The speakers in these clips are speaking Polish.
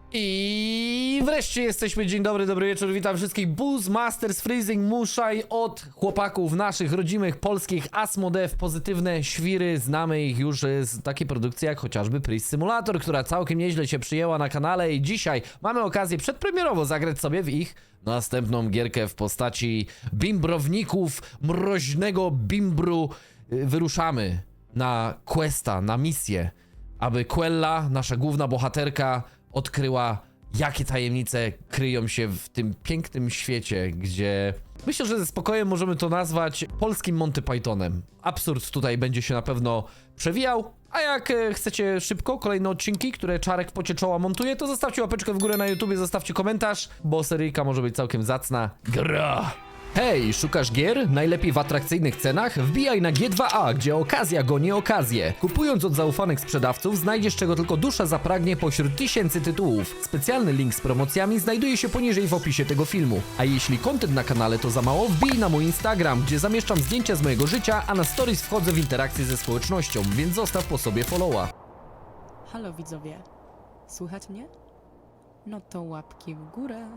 I wreszcie jesteśmy, dzień dobry, dobry wieczór, witam wszystkich. Boost Masters Freezing Muszaj od chłopaków naszych rodzimych polskich Asmodee, pozytywne świry, znamy ich już z takiej produkcji jak chociażby Priest Simulator, która całkiem nieźle się przyjęła na kanale i dzisiaj mamy okazję przedpremierowo zagrać sobie w ich następną gierkę w postaci bimbrowników, mroźnego bimbru. Wyruszamy na questa, na misję, aby Quella, nasza główna bohaterka, odkryła, jakie tajemnice kryją się w tym pięknym świecie, gdzie myślę, że ze spokojem możemy to nazwać polskim Monty Pythonem. Absurd tutaj będzie się na pewno przewijał, a jak chcecie szybko kolejne odcinki, które Czarek w pocie czoła montuje, to zostawcie łapeczkę w górę na YouTubie, zostawcie komentarz, bo seryjka może być całkiem zacna. Gra! Hej, szukasz gier? Najlepiej w atrakcyjnych cenach? Wbijaj na G2A, gdzie okazja goni okazję. Kupując od zaufanych sprzedawców, znajdziesz czego tylko dusza zapragnie pośród tysięcy tytułów. Specjalny link z promocjami znajduje się poniżej w opisie tego filmu. A jeśli content na kanale to za mało, wbij na mój Instagram, gdzie zamieszczam zdjęcia z mojego życia, a na stories wchodzę w interakcję ze społecznością, więc zostaw po sobie followa. Halo widzowie, słychać mnie? No to łapki w górę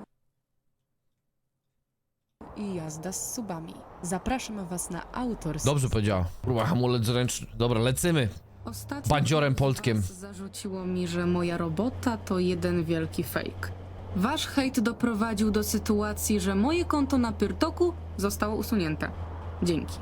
i jazda z subami. Zapraszam was na autorski. Dobrze powiedziała. Próba hamulec ręczny. Dobra, lecimy. Ostatnio bandziorem z Poltkiem. was zarzuciło mi, że moja robota to jeden wielki fake. Wasz hejt doprowadził do sytuacji, że moje konto na Pyrtoku zostało usunięte. Dzięki.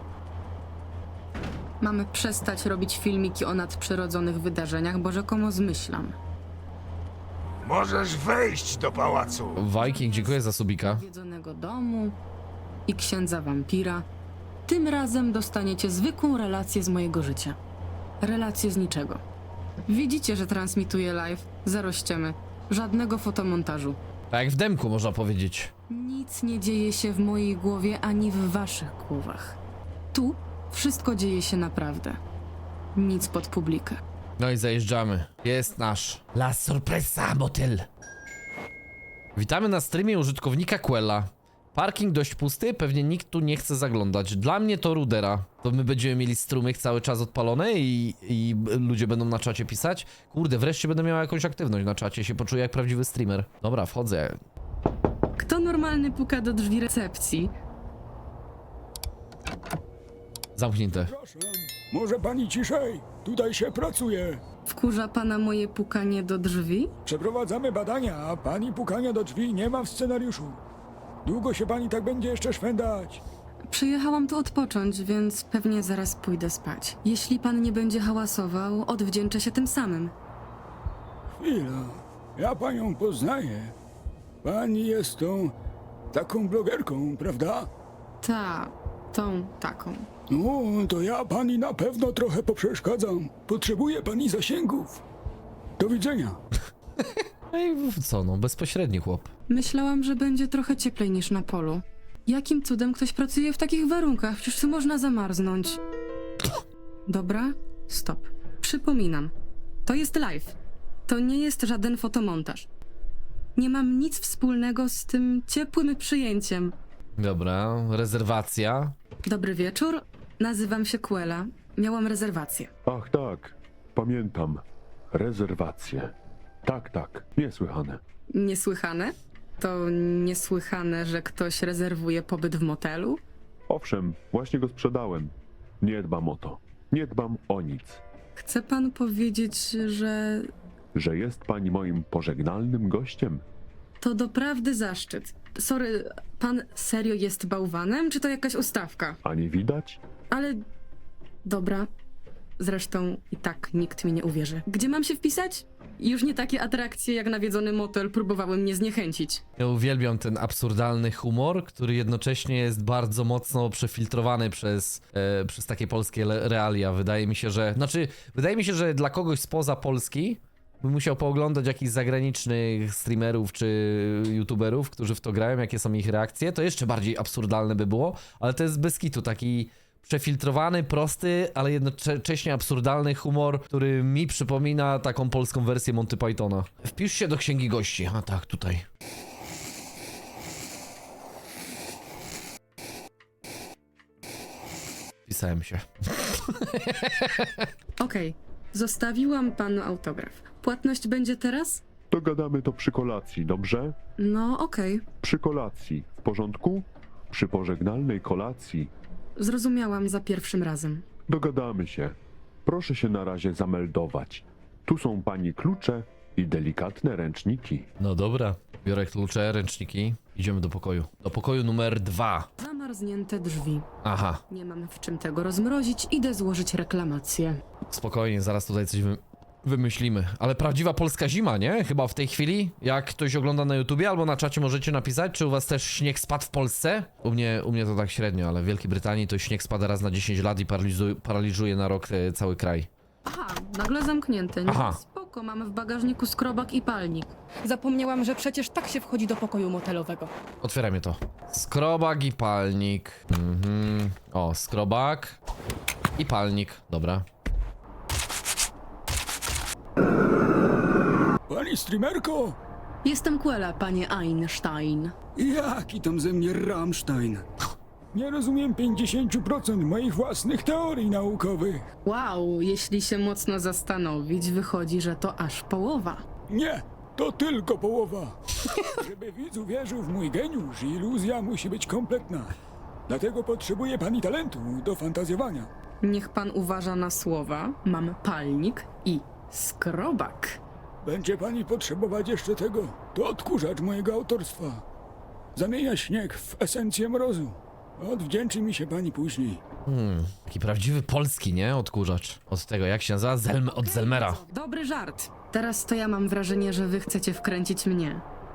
Mamy przestać robić filmiki o nadprzyrodzonych wydarzeniach, bo rzekomo zmyślam. Możesz wejść do pałacu. Viking, dziękuję za subika. Zwiedzonego domu i księdza wampira. Tym razem dostaniecie zwykłą relację z mojego życia. Relację z niczego. Widzicie, że transmituję live, zero ściemy, żadnego fotomontażu. Tak jak w demku można powiedzieć. Nic nie dzieje się w mojej głowie ani w waszych głowach. Tu wszystko dzieje się naprawdę. Nic pod publikę. No i zajeżdżamy. Jest nasz La Sorpresa Motel. Witamy na streamie użytkownika Quella. Parking dość pusty, pewnie nikt tu nie chce zaglądać. Dla mnie to rudera. To my będziemy mieli strumyk cały czas odpalony i ludzie będą na czacie pisać. Kurde, wreszcie będę miał jakąś aktywność na czacie, się poczuję jak prawdziwy streamer. Dobra, wchodzę. Kto normalny puka do drzwi recepcji? Zamknięte. Przepraszam, może pani ciszej? Tutaj się pracuje. Wkurza pana moje pukanie do drzwi? Przeprowadzamy badania, a pani pukania do drzwi nie ma w scenariuszu. Długo się pani tak będzie jeszcze szwendać? Przyjechałam tu odpocząć, więc pewnie zaraz pójdę spać. Jeśli pan nie będzie hałasował, odwdzięczę się tym samym. Chwila, ja panią poznaję. Pani jest tą taką blogerką, prawda? Tą taką. No, to ja pani na pewno trochę poprzeszkadzam. Potrzebuje pani zasięgów. Do widzenia. No i co no, bezpośredni chłop. Myślałam, że będzie trochę cieplej niż na polu. Jakim cudem ktoś pracuje w takich warunkach? Przecież tu można zamarznąć. Dobra, stop. Przypominam. To jest live. To nie jest żaden fotomontaż. Nie mam nic wspólnego z tym ciepłym przyjęciem. Dobra, rezerwacja. Dobry wieczór. Nazywam się Quella. Miałam rezerwację. Ach tak, pamiętam. Rezerwacje. Tak, niesłychane. Niesłychane? To niesłychane, że ktoś rezerwuje pobyt w motelu? Owszem, właśnie go sprzedałem. Nie dbam o to. Nie dbam o nic. Chce pan powiedzieć, że Że jest pani moim pożegnalnym gościem? to doprawdy zaszczyt. Sorry, pan serio jest bałwanem, czy to jakaś ustawka? A nie widać? Ale... Dobra. Zresztą i tak nikt mi nie uwierzy. Gdzie mam się wpisać? Już nie takie atrakcje jak nawiedzony motel próbowały mnie zniechęcić. Ja uwielbiam ten absurdalny humor, który jednocześnie jest bardzo mocno przefiltrowany przez takie polskie realia. Wydaje mi się, że dla kogoś spoza Polski bym musiał pooglądać jakichś zagranicznych streamerów czy youtuberów, którzy w to grają, jakie są ich reakcje. To jeszcze bardziej absurdalne by było, ale to jest bez kitu taki przefiltrowany, prosty, ale jednocześnie absurdalny humor, który mi przypomina taką polską wersję Monty Pythona. Wpisz się do księgi gości. A tak, tutaj. Wpisałem się. Okej, zostawiłam panu autograf. Płatność będzie teraz? Dogadamy to przy kolacji, dobrze? No, okej. Przy kolacji, w porządku? Przy pożegnalnej kolacji. Zrozumiałam za pierwszym razem. Dogadamy się. Proszę się na razie zameldować. Tu są pani klucze i delikatne ręczniki. No dobra. Biorę klucze, ręczniki. Idziemy do pokoju. Do pokoju numer 2. Zamarznięte drzwi. Aha. Nie mam w czym tego rozmrozić, idę złożyć reklamację. Spokojnie, zaraz tutaj coś wymyślimy. Ale prawdziwa polska zima, nie? Chyba w tej chwili. Jak ktoś ogląda na YouTubie albo na czacie możecie napisać, czy u was też śnieg spadł w Polsce? U mnie to tak średnio, ale w Wielkiej Brytanii to śnieg spada raz na 10 lat i paraliżuje na rok cały kraj. Aha, nagle zamknięte. Nie, Aha. spoko, mamy w bagażniku skrobak i palnik. Zapomniałam, że przecież tak się wchodzi do pokoju motelowego. Otwieramy to. Skrobak i palnik. O, skrobak i palnik. Dobra. Pani streamerko? Jestem Quella, panie Einstein. Jaki tam ze mnie Rammstein? Nie rozumiem 50% moich własnych teorii naukowych. Wow, jeśli się mocno zastanowić, wychodzi, że to aż połowa. Nie, to tylko połowa. Żeby widz uwierzył w mój geniusz, iluzja musi być kompletna. Dlatego potrzebuje pani talentu do fantazjowania. Niech pan uważa na słowa. Mam palnik i skrobak. Będzie pani potrzebować jeszcze tego. To odkurzacz mojego autorstwa. Zamienia śnieg w esencję mrozu. Odwdzięczy mi się pani później. Taki prawdziwy polski, nie? Odkurzacz. Od tego, jak się nazywa? Od Zelmera. Dobry żart. Teraz to ja mam wrażenie, że wy chcecie wkręcić mnie.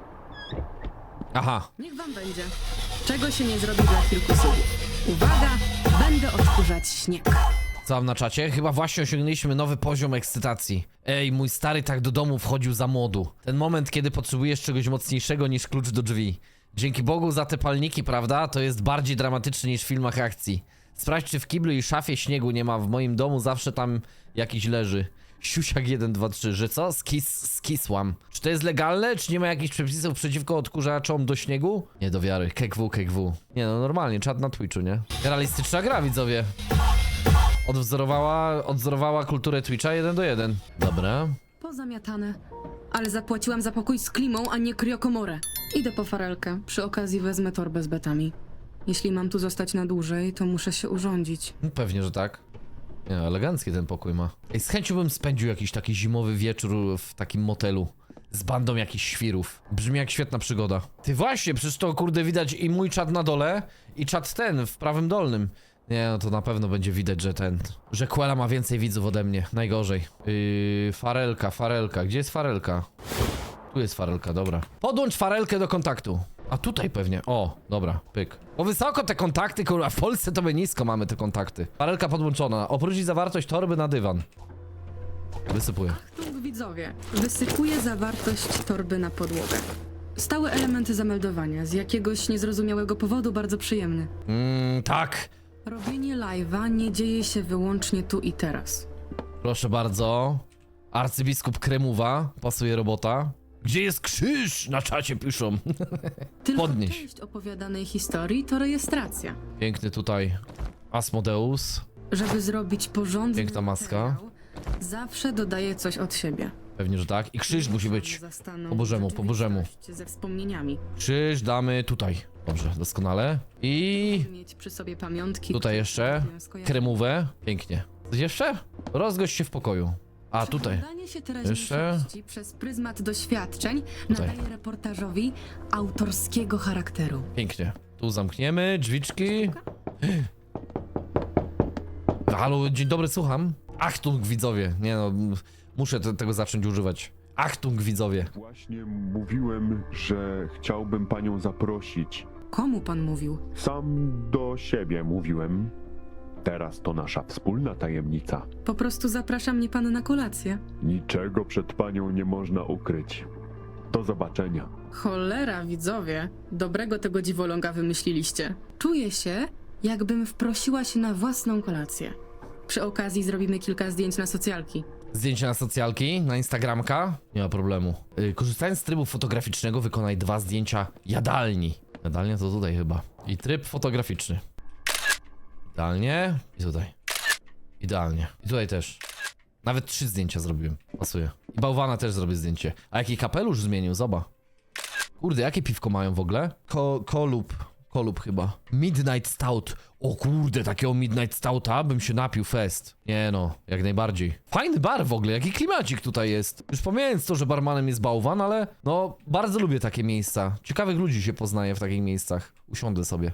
Aha. Niech wam będzie. Czego się nie zrobi dla kilku słów. Uwaga, będę odkurzać śnieg. Co mam na czacie? Chyba właśnie osiągnęliśmy nowy poziom ekscytacji. Ej, mój stary tak do domu wchodził za młodu. Ten moment, kiedy potrzebujesz czegoś mocniejszego niż klucz do drzwi. Dzięki Bogu za te palniki, prawda? To jest bardziej dramatyczne niż w filmach akcji. Sprawdź, czy w kiblu i szafie śniegu nie ma. W moim domu zawsze tam jakiś leży. Siusiak 1, 2, 3, że co? Skisłam. Czy to jest legalne? Czy nie ma jakichś przepisów przeciwko odkurzaczom do śniegu? Nie do wiary. KW. Nie no, normalnie, czat na Twitchu, nie? Realistyczna gra, widzowie. Odzorowała kulturę Twitcha 1:1. Dobra. Pozamiatane. Ale zapłaciłam za pokój z klimą, a nie kriokomorę. Idę po farelkę. Przy okazji wezmę torbę z betami. Jeśli mam tu zostać na dłużej, to muszę się urządzić. No, pewnie, że tak. Nie, elegancki ten pokój ma. Ej, z chęcią bym spędził jakiś taki zimowy wieczór w takim motelu. Z bandą jakichś świrów. Brzmi jak świetna przygoda. Ty właśnie, przecież to kurde widać i mój czat na dole, i czat ten w prawym dolnym. Nie, no to na pewno będzie widać, że Quella ma więcej widzów ode mnie. Najgorzej. Farelka. Gdzie jest farelka? Tu jest farelka, dobra. Podłącz farelkę do kontaktu. A tutaj pewnie. O, dobra, pyk. Bo wysoko te kontakty, kurwa, w Polsce to my nisko mamy te kontakty. Farelka podłączona. Oprócz zawartość torby na dywan. Wysypuję. Tu widzowie. Wysypuję zawartość torby na podłogę. Stałe elementy zameldowania. Z jakiegoś niezrozumiałego powodu bardzo przyjemny. Tak. Robienie live'a nie dzieje się wyłącznie tu i teraz. Proszę bardzo. Arcybiskup Kremowa. Pasuje robota. Gdzie jest krzyż? Na czacie piszą. Tylko Podnieś. część opowiadanej historii to rejestracja. Piękny tutaj Asmodeus. Żeby zrobić porządny Piękna maska. materiał, zawsze dodaję coś od siebie. Pewnie, że tak. I krzyż musi być. Zastanów Po bożemu, po bożemu. rzeczywistość ze wspomnieniami. Krzyż damy tutaj. Dobrze, doskonale. I Mieć przy sobie pamiątki. tutaj które jeszcze sprawiają skojarzenia. kremówę. Pięknie. Coś jeszcze? Rozgość się w pokoju. A tutaj. Przeglądanie się teraźniejszości przez pryzmat doświadczeń Tutaj. nadaje reportażowi autorskiego charakteru. Pięknie. Tu zamkniemy drzwiczki. Halo, dzień dobry, słucham. Achtung, widzowie. Nie no, muszę tego zacząć używać. Achtung, widzowie. Właśnie mówiłem, że chciałbym panią zaprosić. Komu pan mówił? Sam do siebie mówiłem. Teraz to nasza wspólna tajemnica. Po prostu zaprasza mnie pan na kolację. Niczego przed panią nie można ukryć. Do zobaczenia. Cholera, widzowie. Dobrego tego dziwoląga wymyśliliście. Czuję się, jakbym wprosiła się na własną kolację. Przy okazji zrobimy kilka zdjęć na socjalki. Zdjęcia na socjalki, na Instagramka. Nie ma problemu. Korzystając z trybu fotograficznego, wykonaj 2 zdjęcia jadalni. Jadalnia to tutaj chyba. I tryb fotograficzny. Idealnie. I tutaj. Idealnie. I tutaj też. Nawet 3 zdjęcia zrobiłem. Pasuje. I bałwana też zrobię zdjęcie. A jaki kapelusz zmienił, zobacz. Kurde, jakie piwko mają w ogóle? Kolub chyba. Midnight Stout. O kurde, takiego Midnight Stouta bym się napił fest. Nie no, jak najbardziej. Fajny bar w ogóle, jaki klimacik tutaj jest. Już pomijając to, że barmanem jest bałwan, ale no, bardzo lubię takie miejsca. Ciekawych ludzi się poznaje w takich miejscach. Usiądę sobie.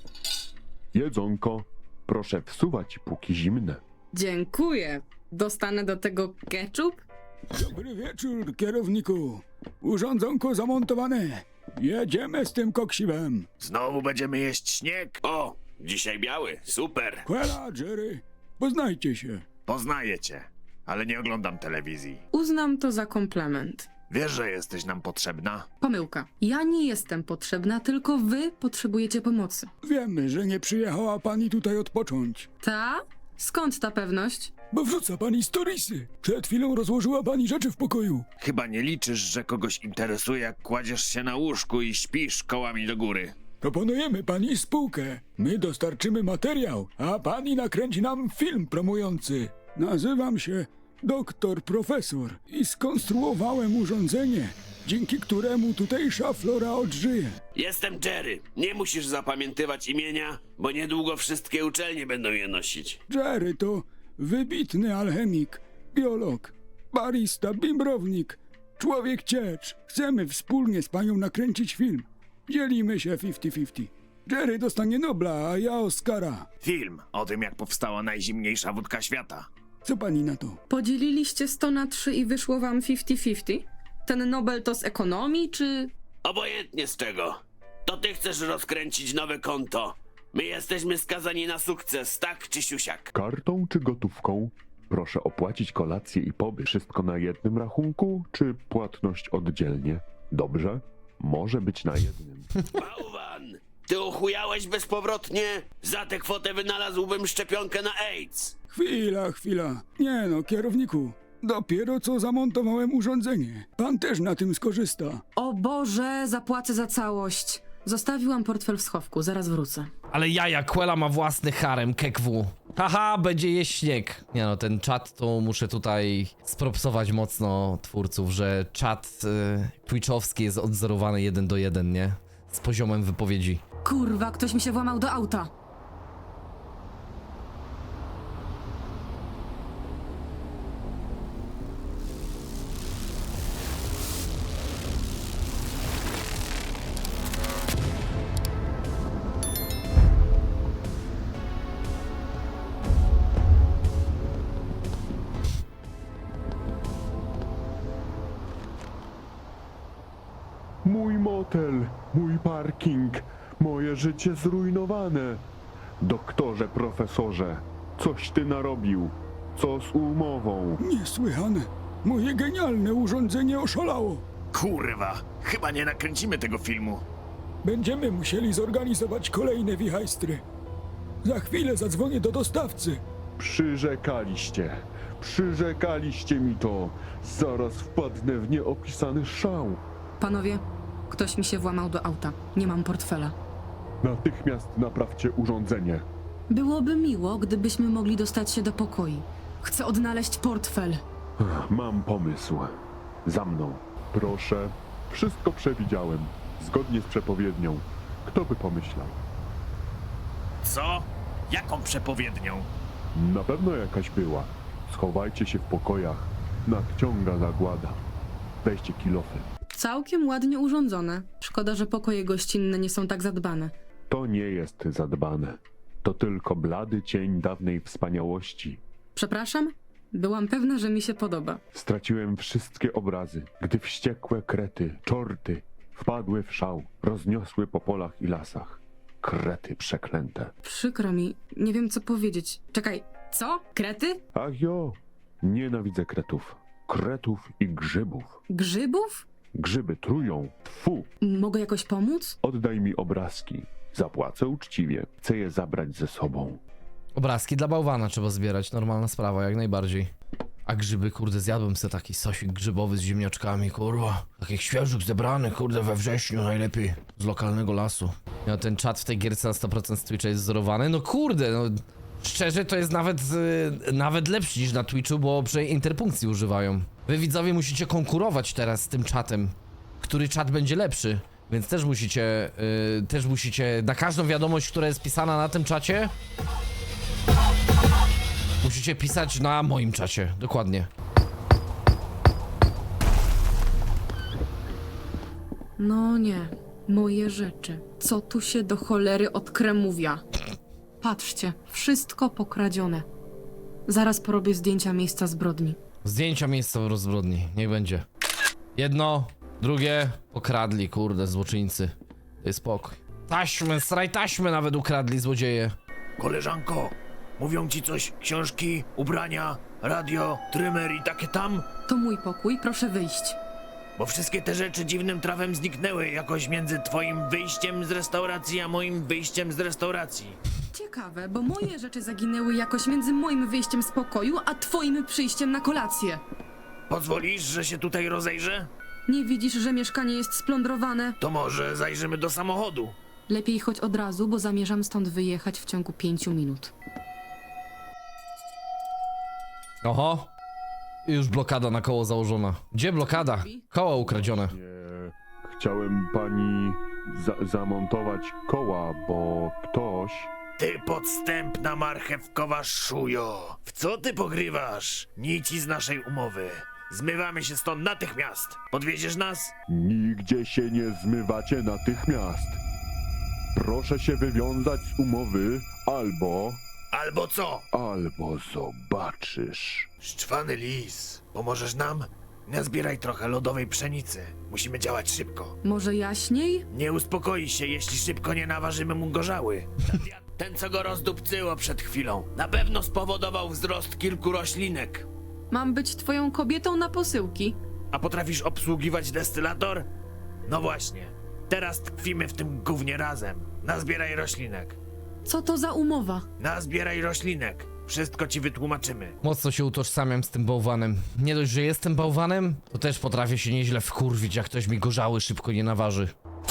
Jedzonko, proszę wsuwać póki zimne. Dziękuję. Dostanę do tego ketchup? Dobry wieczór, kierowniku. Urządzonko zamontowane. Jedziemy z tym koksiwem. Znowu będziemy jeść śnieg? O, dzisiaj biały, super. Quella, Jerry, poznajcie się. Poznaję cię, ale nie oglądam telewizji. Uznam to za komplement. Wiesz, że jesteś nam potrzebna? Pomyłka. Ja nie jestem potrzebna, tylko wy potrzebujecie pomocy. Wiemy, że nie przyjechała pani tutaj odpocząć. Ta? Skąd ta pewność? Bo wrzuca pani storiesy. Przed chwilą rozłożyła pani rzeczy w pokoju. Chyba nie liczysz, że kogoś interesuje, jak kładziesz się na łóżku i śpisz kołami do góry. Proponujemy pani spółkę. My dostarczymy materiał, a pani nakręci nam film promujący. Nazywam się Doktor Profesor i skonstruowałem urządzenie, dzięki któremu tutejsza flora odżyje. Jestem Jerry. Nie musisz zapamiętywać imienia, bo niedługo wszystkie uczelnie będą je nosić. Jerry to wybitny alchemik, biolog, barista, bimbrownik, człowiek ciecz. Chcemy wspólnie z panią nakręcić film. Dzielimy się 50-50. Jerry dostanie Nobla, a ja Oscara. Film o tym, jak powstała najzimniejsza wódka świata. Co pani na to? Podzieliliście 100 na 3 i wyszło wam 50-50? Ten Nobel to z ekonomii, czy... Obojętnie z czego. To ty chcesz rozkręcić nowe konto. My jesteśmy skazani na sukces, tak czy siusiak. Kartą czy gotówką? Proszę opłacić kolację i pobyt. Wszystko na jednym rachunku, czy płatność oddzielnie? Dobrze? Może być na jednym. Bałwan! Ty ochujałeś bezpowrotnie? Za tę kwotę wynalazłbym szczepionkę na AIDS. Chwila. Nie no, kierowniku. Dopiero co zamontowałem urządzenie. Pan też na tym skorzysta. O Boże, zapłacę za całość. Zostawiłam portfel w schowku, zaraz wrócę. Ale jaja, Quella ma własny harem, KW. Haha, będzie jeść śnieg. Nie no, ten czat to muszę tutaj spropsować mocno twórców, że czat twitchowski jest odzorowany 1:1, nie? Z poziomem wypowiedzi. Kurwa, ktoś mi się włamał do auta. Mój motel, mój parking, moje życie zrujnowane. Doktorze, profesorze, coś ty narobił. Co z umową? Niesłychane. Moje genialne urządzenie oszalało. Kurwa, chyba nie nakręcimy tego filmu. Będziemy musieli zorganizować kolejne wichajstry. Za chwilę zadzwonię do dostawcy. Przyrzekaliście mi to. Zaraz wpadnę w nieopisany szał. Panowie, ktoś mi się włamał do auta. Nie mam portfela. Natychmiast naprawcie urządzenie. Byłoby miło, gdybyśmy mogli dostać się do pokoi. Chcę odnaleźć portfel. Mam pomysł. Za mną. Proszę. Wszystko przewidziałem. Zgodnie z przepowiednią. Kto by pomyślał? Co? Jaką przepowiednią? Na pewno jakaś była. Schowajcie się w pokojach. Nadciąga zagłada. Weźcie kilofy. Całkiem ładnie urządzone. Szkoda, że pokoje gościnne nie są tak zadbane. To nie jest zadbane. To tylko blady cień dawnej wspaniałości. Przepraszam? Byłam pewna, że mi się podoba. Straciłem wszystkie obrazy, gdy wściekłe krety, czorty wpadły w szał, rozniosły po polach i lasach. Krety przeklęte. Przykro mi, nie wiem co powiedzieć. Czekaj, co? Krety? Ach jo, nienawidzę kretów. Kretów i grzybów. Grzybów? Grzyby trują. Tfu! Mogę jakoś pomóc? Oddaj mi obrazki. Zapłacę uczciwie. Chcę je zabrać ze sobą. Obrazki dla bałwana trzeba zbierać, normalna sprawa, jak najbardziej. A grzyby, kurde, zjadłem sobie taki sosik grzybowy z ziemniaczkami, kurwa. Takich świeżych zebranych, kurde, we wrześniu najlepiej. Z lokalnego lasu. No ten czat w tej gierce na 100% z Twitcha jest wzorowany, no kurde, no... Szczerze, to jest nawet lepszy niż na Twitchu, bo przynajmniej interpunkcji używają. Wy widzowie musicie konkurować teraz z tym czatem. Który czat będzie lepszy. Więc też musicie na każdą wiadomość, która jest pisana na tym czacie, musicie pisać na moim czacie, dokładnie. No nie, moje rzeczy. Co tu się do cholery odkremówia? Patrzcie, wszystko pokradzione. Zaraz porobię zdjęcia miejsca zbrodni. Zdjęcia miejsca w rozbrodni, niech będzie. Jedno, drugie, pokradli, kurde, złoczyńcy. Daj spokój. Taśmy, straj taśmy nawet ukradli złodzieje. Koleżanko, mówią ci coś książki, ubrania, radio, trymer i takie tam? To mój pokój, proszę wyjść. Bo wszystkie te rzeczy dziwnym trawem zniknęły jakoś między twoim wyjściem z restauracji a moim wyjściem z restauracji. Ciekawe, bo moje rzeczy zaginęły jakoś między moim wyjściem z pokoju, a twoim przyjściem na kolację. Pozwolisz, że się tutaj rozejrzę? Nie widzisz, że mieszkanie jest splądrowane? To może zajrzymy do samochodu. Lepiej chodź od razu, bo zamierzam stąd wyjechać w ciągu 5 minut. Oho. Już blokada na koło założona. Gdzie blokada? Koło ukradzione. Chciałem pani zamontować koła, bo ktoś... Ty podstępna marchewkowa szujo! W co ty pogrywasz? Nici z naszej umowy. Zmywamy się stąd natychmiast. Podwieziesz nas? Nigdzie się nie zmywacie natychmiast. Proszę się wywiązać z umowy, albo Albo co? zobaczysz. Szczwany lis. Pomożesz nam? Nazbieraj trochę lodowej pszenicy. Musimy działać szybko. Może jaśniej? Nie uspokoi się, jeśli szybko nie naważymy mu gorzały. Ten, co go rozdupcyło przed chwilą, na pewno spowodował wzrost kilku roślinek. Mam być twoją kobietą na posyłki. A potrafisz obsługiwać destylator? No właśnie. Teraz tkwimy w tym gównie razem. Nazbieraj roślinek. Co to za umowa? Nazbieraj roślinek. Wszystko ci wytłumaczymy. Mocno się utożsamiam z tym bałwanem. Nie dość, że jestem bałwanem, to też potrafię się nieźle wkurwić, jak ktoś mi gorzały szybko nie naważy.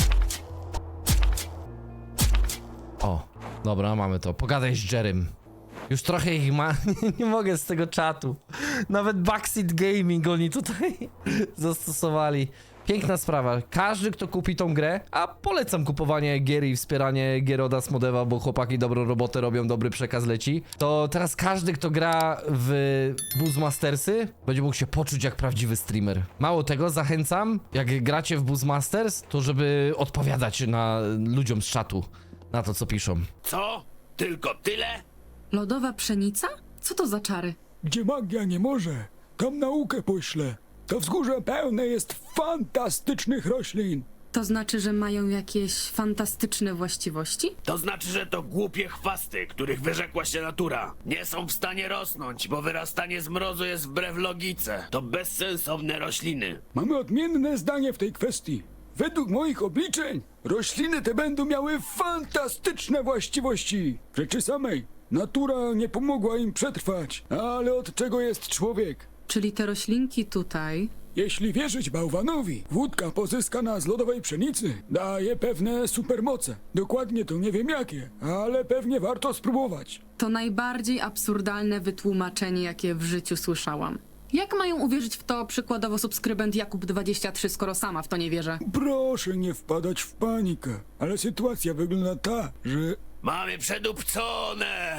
O, dobra, mamy to. Pogadaj z Jerem. Już trochę ich ma. Nie mogę z tego czatu. Nawet Backseat Gaming oni tutaj zastosowali. Piękna sprawa. Każdy, kto kupi tą grę, a polecam kupowanie gier i wspieranie gier od Asmodewa, bo chłopaki dobrą robotę robią, dobry przekaz leci, to teraz każdy, kto gra w Buzzmastersy, będzie mógł się poczuć jak prawdziwy streamer. Mało tego, zachęcam, jak gracie w Buzzmasters, to żeby odpowiadać ludziom z czatu, na to, co piszą. Co? Tylko tyle? Lodowa pszenica? Co to za czary? Gdzie magia nie może, tam naukę poślę. To wzgórze pełne jest fantastycznych roślin. To znaczy, że mają jakieś fantastyczne właściwości? To znaczy, że to głupie chwasty, których wyrzekła się natura. Nie są w stanie rosnąć, bo wyrastanie z mrozu jest wbrew logice. To bezsensowne rośliny. Mamy odmienne zdanie w tej kwestii. Według moich obliczeń rośliny te będą miały fantastyczne właściwości. W rzeczy samej natura nie pomogła im przetrwać, ale od czego jest człowiek? Czyli te roślinki tutaj... Jeśli wierzyć bałwanowi, wódka pozyskana z lodowej pszenicy daje pewne supermoce. Dokładnie to nie wiem jakie, ale pewnie warto spróbować. To najbardziej absurdalne wytłumaczenie, jakie w życiu słyszałam. Jak mają uwierzyć w to przykładowo subskrybent Jakub23, skoro sama w to nie wierzę? Proszę nie wpadać w panikę, ale sytuacja wygląda tak, że Mamy przedupcone!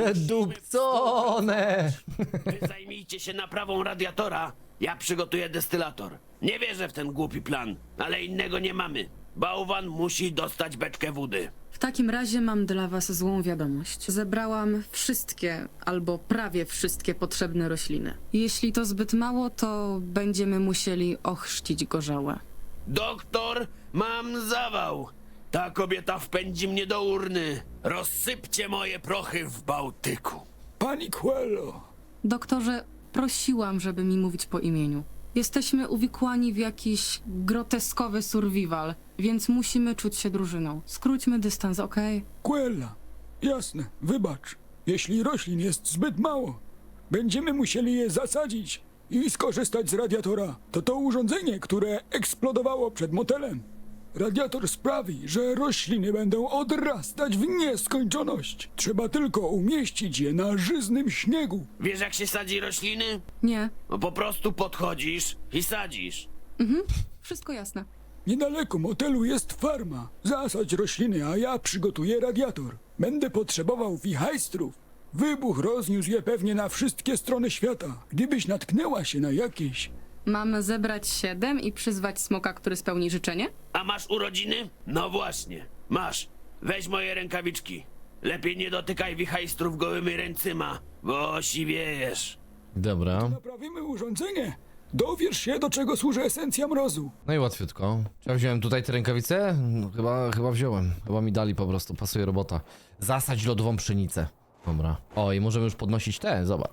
Przedupcone! Wy zajmijcie się naprawą radiatora, ja przygotuję destylator. Nie wierzę w ten głupi plan, ale innego nie mamy. Bałwan musi dostać beczkę wody. W takim razie mam dla was złą wiadomość. Zebrałam wszystkie, albo prawie wszystkie potrzebne rośliny. Jeśli to zbyt mało, to będziemy musieli ochrzcić gorzałę. Doktor, mam zawał. Ta kobieta wpędzi mnie do urny. Rozsypcie moje prochy w Bałtyku. pani Quello. Doktorze, prosiłam, żeby mi mówić po imieniu. Jesteśmy uwikłani w jakiś groteskowy survival, więc musimy czuć się drużyną. Skróćmy dystans, okej? Quella. Jasne, wybacz. Jeśli roślin jest zbyt mało, będziemy musieli je zasadzić i skorzystać z radiatora. To urządzenie, które eksplodowało przed motelem. Radiator sprawi, że rośliny będą odrastać w nieskończoność. Trzeba tylko umieścić je na żyznym śniegu. Wiesz jak się sadzi rośliny? Nie, No po prostu podchodzisz i sadzisz. wszystko jasne. Niedaleko motelu jest farma. Zasadź rośliny, a ja przygotuję radiator. Będę potrzebował wichajstrów. Wybuch rozniósł je pewnie na wszystkie strony świata. Gdybyś natknęła się na jakieś... Mamy zebrać 7 i przyzwać smoka, który spełni życzenie? A masz urodziny? No właśnie, masz. Weź moje rękawiczki. Lepiej nie dotykaj wichajstrów gołymi ręcyma, bo siwiejesz. Dobra. Naprawimy urządzenie. Dowiesz się, do czego służy esencja mrozu. No i łatwiutko. Czy ja wziąłem tutaj te rękawice? No, chyba wziąłem. Chyba mi dali po prostu, pasuje robota. Zasadź lodową pszenicę. Dobra. O, i możemy już podnosić te, zobacz.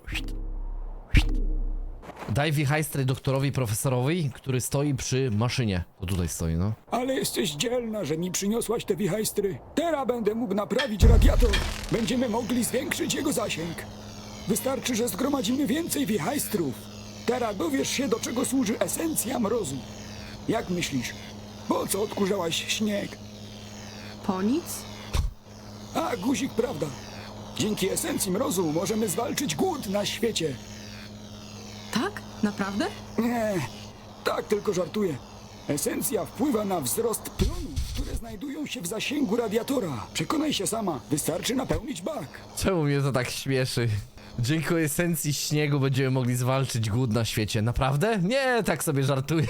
Daj wichajstry doktorowi profesorowi, który stoi przy maszynie. To tutaj stoi, no. Ale jesteś dzielna, że mi przyniosłaś te wichajstry. Teraz będę mógł naprawić radiator. Będziemy mogli zwiększyć jego zasięg. Wystarczy, że zgromadzimy więcej wichajstrów. Teraz dowiesz się, do czego służy esencja mrozu. Jak myślisz, po co odkurzałaś śnieg? Po nic? A, guzik, prawda. Dzięki esencji mrozu możemy zwalczyć głód na świecie. Tak? Naprawdę? Nie, tak tylko żartuję. Esencja wpływa na wzrost plonów, które znajdują się w zasięgu radiatora. Przekonaj się sama, wystarczy napełnić bak. Czemu mnie to tak śmieszy? Dzięki esencji śniegu będziemy mogli zwalczyć głód na świecie. Naprawdę? Nie, tak sobie żartuję.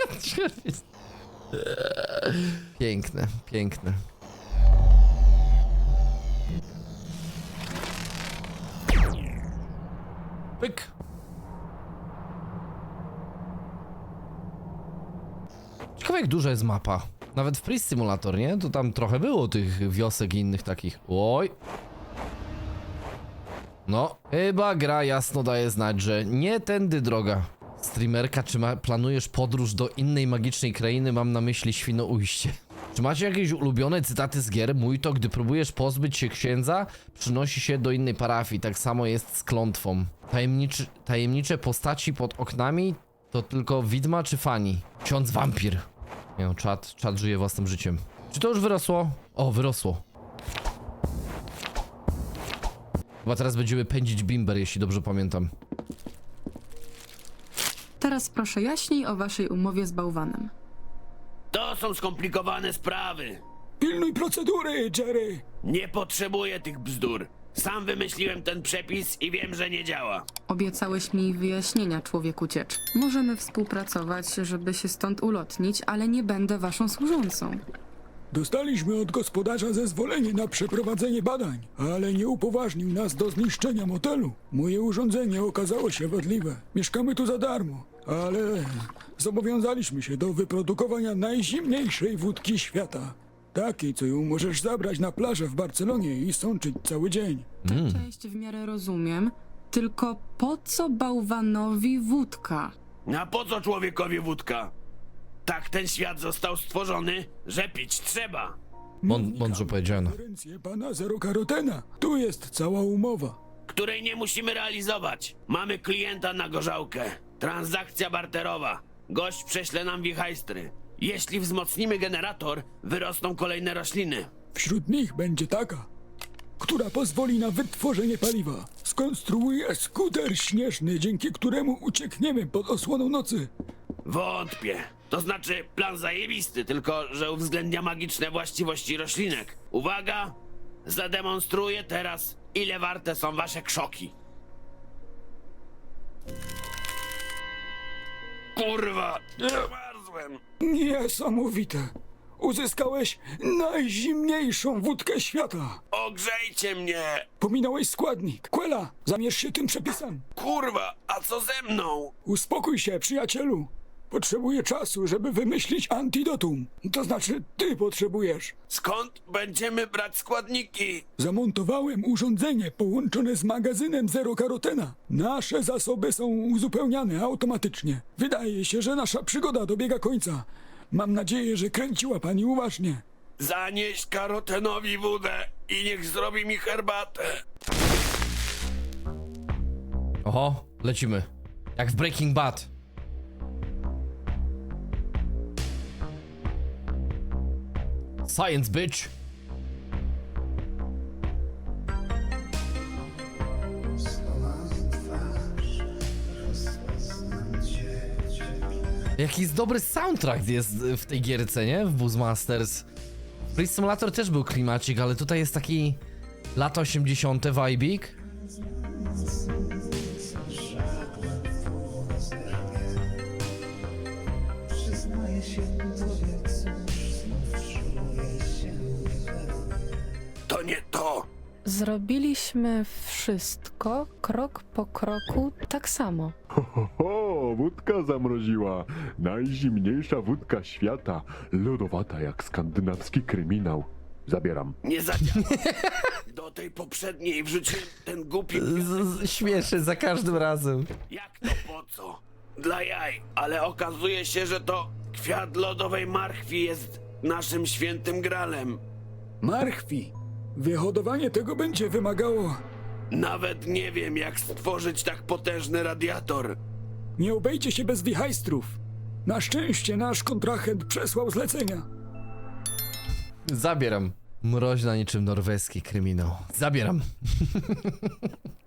Piękne, piękne. Pyk. Ciekawe jak duża jest mapa. Nawet w Priest Simulator, nie? To tam trochę było tych wiosek i innych takich. Oj. No, chyba gra jasno daje znać, że nie tędy droga. Streamerka, czy planujesz podróż do innej magicznej krainy? Mam na myśli Świnoujście. Czy macie jakieś ulubione cytaty z gier? Mój to, gdy próbujesz pozbyć się księdza, przynosi się do innej parafii. Tak samo jest z klątwą. Tajemnicze postaci pod oknami to tylko widma czy fani? Ksiądz wampir. Nie no, czat żyje własnym życiem. Czy to już wyrosło? O, wyrosło. Chyba teraz będziemy pędzić bimber, jeśli dobrze pamiętam. Teraz proszę jaśniej o waszej umowie z bałwanem. To są skomplikowane sprawy. Pilnuj procedury, Jerry. Nie potrzebuję tych bzdur. Sam wymyśliłem ten przepis i wiem, że nie działa. Obiecałeś mi wyjaśnienia, człowieku ciecz. Możemy współpracować, żeby się stąd ulotnić, ale nie będę waszą służącą. Dostaliśmy od gospodarza zezwolenie na przeprowadzenie badań, ale nie upoważnił nas do zniszczenia motelu. Moje urządzenie okazało się wadliwe. Mieszkamy tu za darmo, ale zobowiązaliśmy się do wyprodukowania najzimniejszej wódki świata. Takiej, co ją możesz zabrać na plażę w Barcelonie i sączyć cały dzień. Tę część w miarę rozumiem, tylko po co bałwanowi wódka? A po co człowiekowi wódka? Tak ten świat został stworzony, że pić trzeba. Mądrze powiedziano. Konferencję pana Zerokarotena. Tu jest cała umowa. Której nie musimy realizować. Mamy klienta na gorzałkę. Transakcja barterowa. Gość prześle nam wichajstry. Jeśli wzmocnimy generator, wyrosną kolejne rośliny. Wśród nich będzie taka, która pozwoli na wytworzenie paliwa. Skonstruuję skuter śnieżny, dzięki któremu uciekniemy pod osłoną nocy. Wątpię. To znaczy plan zajebisty, tylko że uwzględnia magiczne właściwości roślinek. Uwaga! Zademonstruję teraz, ile warte są wasze krzoki. Kurwa! Zmarzłem! Niesamowite. Uzyskałeś najzimniejszą wódkę świata. Ogrzejcie mnie! Pominąłeś składnik. Quella, zamierz się tym przepisem. Kurwa, a co ze mną? Uspokój się, przyjacielu. Potrzebuję czasu, żeby wymyślić antidotum. To znaczy, ty potrzebujesz. Skąd będziemy brać składniki? Zamontowałem urządzenie połączone z magazynem Zerokarotena. Nasze zasoby są uzupełniane automatycznie. Wydaje się, że nasza przygoda dobiega końca. Mam nadzieję, że kręciła pani uważnie. Zanieś Karotenowi wódę i niech zrobi mi herbatę. Oho, lecimy. Jak w Breaking Bad. Science, bitch! Jaki jest dobry soundtrack jest w tej gierce, nie? W Buzzmasters. Freeze Simulator też był klimacik, ale tutaj jest taki lata 80. vibik. To nie to! Zrobiliśmy wszystko krok po kroku tak samo. Ho, wódka zamroziła. Najzimniejsza wódka świata. Lodowata jak skandynawski kryminał. Zabieram. Nie zadziała. Do tej poprzedniej wrzuciłem ten głupi Śmieszy za każdym razem. Jak to po co? Dla jaj, ale okazuje się, że to kwiat lodowej marchwi jest naszym świętym gralem. Marchwi. Wyhodowanie tego będzie wymagało... Nawet nie wiem, jak stworzyć tak potężny radiator. Nie obejdzie się bez wichajstrów. Na szczęście nasz kontrahent przesłał zlecenia. Zabieram. Mroźna niczym norweski kryminał. Zabieram.